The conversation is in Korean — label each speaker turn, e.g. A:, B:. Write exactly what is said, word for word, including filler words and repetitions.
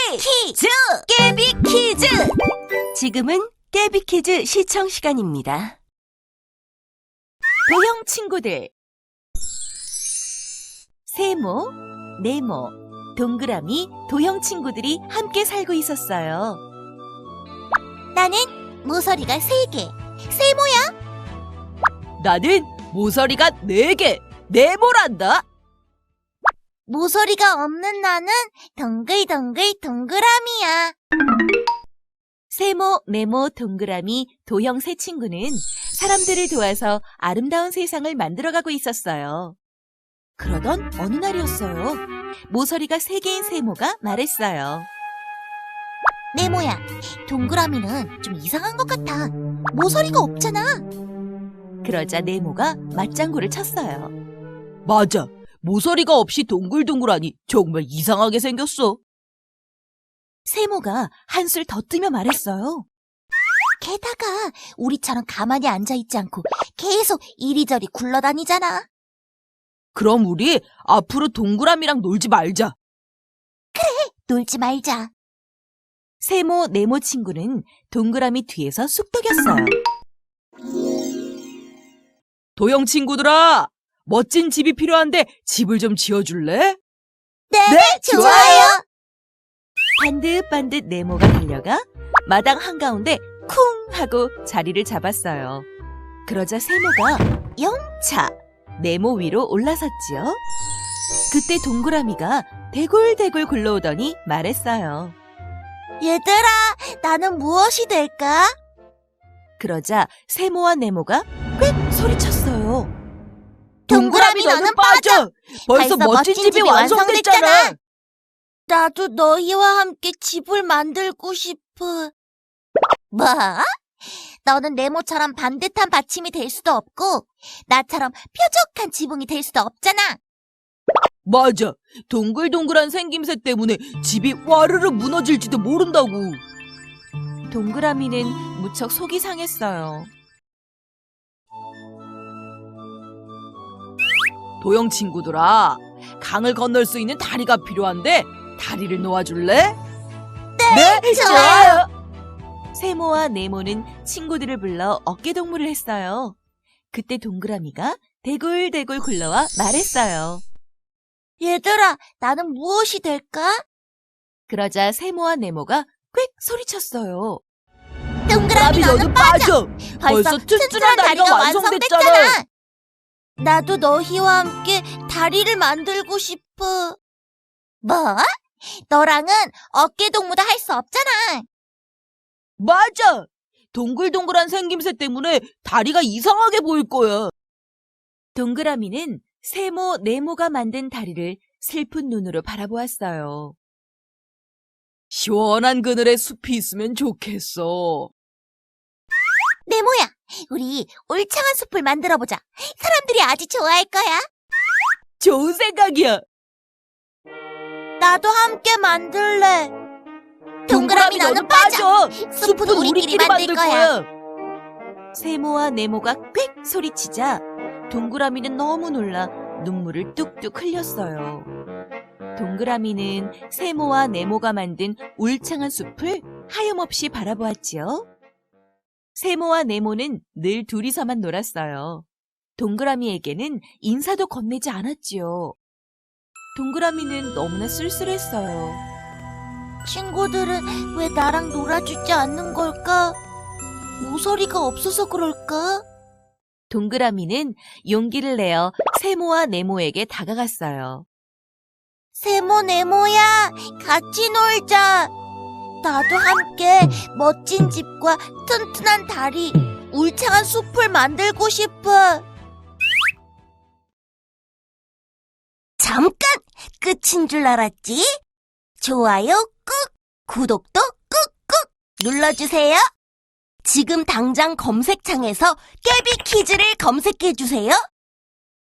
A: 퀴즈! 깨비 퀴즈! 지금은 깨비 퀴즈 시청 시간입니다.
B: 도형 친구들. 세모, 네모, 동그라미, 도형 친구들이 함께 살고 있었어요.
C: 나는 모서리가 세 개, 세모야.
B: 나는 모서리가 네 개, 네모란다.
C: 모서리가 없는 나는 동글동글 동그라미야.
B: 세모, 네모, 동그라미, 도형 세 친구는 사람들을 도와서 아름다운 세상을 만들어가고 있었어요. 그러던 어느 날이었어요. 모서리가 세 개인 세모가 말했어요.
C: 네모야, 동그라미는 좀 이상한 것 같아. 모서리가 없잖아.
B: 그러자 네모가 맞장구를 쳤어요. 맞아. 모서리가 없이 동글동글하니 정말 이상하게 생겼어. 세모가 한술 더 뜨며 말했어요.
C: 게다가 우리처럼 가만히 앉아있지 않고 계속 이리저리 굴러다니잖아.
B: 그럼 우리 앞으로 동그라미랑 놀지 말자.
C: 놀지 말자.
B: 세모, 네모 친구는 동그라미 뒤에서 쑥덕였어요. 도형 친구들아, 멋진 집이 필요한데 집을 좀 지어줄래?
C: 네,
B: 네,
C: 좋아요.
B: 반듯반듯 네모가 달려가 마당 한가운데 쿵 하고 자리를 잡았어요. 그러자 세모가 영차 네모 위로 올라섰지요. 그때 동그라미가 대굴대굴 굴러오더니 말했어요.
C: 얘들아, 나는 무엇이 될까?
B: 그러자 세모와 네모가 꽥 소리쳤어요.
C: 동그라미 너는 빠져!
B: 벌써 멋진 집이 완성됐잖아!
C: 나도 너희와 함께 집을 만들고 싶어. 뭐? 너는 네모처럼 반듯한 받침이 될 수도 없고 나처럼 뾰족한 지붕이 될 수도 없잖아.
B: 맞아. 동글동글한 생김새 때문에 집이 와르르 무너질지도 모른다고. 동그라미는 무척 속이 상했어요. 도형 친구들아, 강을 건널 수 있는 다리가 필요한데 다리를 놓아줄래? 네, 네,
C: 좋아요.
B: 세모와 네모는 친구들을 불러 어깨동무를 했어요. 그때 동그라미가 대굴대굴 굴러와 말했어요.
C: 얘들아, 나는 무엇이 될까?
B: 그러자 세모와 네모가 꽥 소리쳤어요.
C: 동그라미 너는 빠져! 벌써 튼튼한 다리가 완성됐잖아. 나도 너희와 함께 다리를 만들고 싶어. 뭐? 너랑은 어깨동무도 할 수 없잖아.
B: 맞아! 동글동글한 생김새 때문에 다리가 이상하게 보일 거야. 동그라미는 세모, 네모가 만든 다리를 슬픈 눈으로 바라보았어요. 시원한 그늘에 숲이 있으면 좋겠어.
C: 네모야, 우리 울창한 숲을 만들어보자. 사람들이 아주 좋아할 거야.
B: 좋은 생각이야.
C: 나도 함께 만들래.
B: 동그라미 너는 빠져!
C: 숲은 우리끼리 만들 거야.
B: 세모와 네모가 꽥 소리치자 동그라미는 너무 놀라 눈물을 뚝뚝 흘렸어요. 동그라미는 세모와 네모가 만든 울창한 숲을 하염없이 바라보았지요. 세모와 네모는 늘 둘이서만 놀았어요. 동그라미에게는 인사도 건네지 않았지요. 동그라미는 너무나 쓸쓸했어요.
C: 친구들은 왜 나랑 놀아주지 않는 걸까? 모서리가 없어서 그럴까?
B: 동그라미는 용기를 내어 세모와 네모에게 다가갔어요.
C: 세모, 네모야, 같이 놀자. 나도 함께 멋진 집과 튼튼한 다리, 울창한 숲을 만들고 싶어. 잠깐! 끝인 줄 알았지? 좋아요 꾹! 구독도 꾹꾹 눌러주세요. 지금 당장 검색창에서 깨비 퀴즈를 검색해주세요.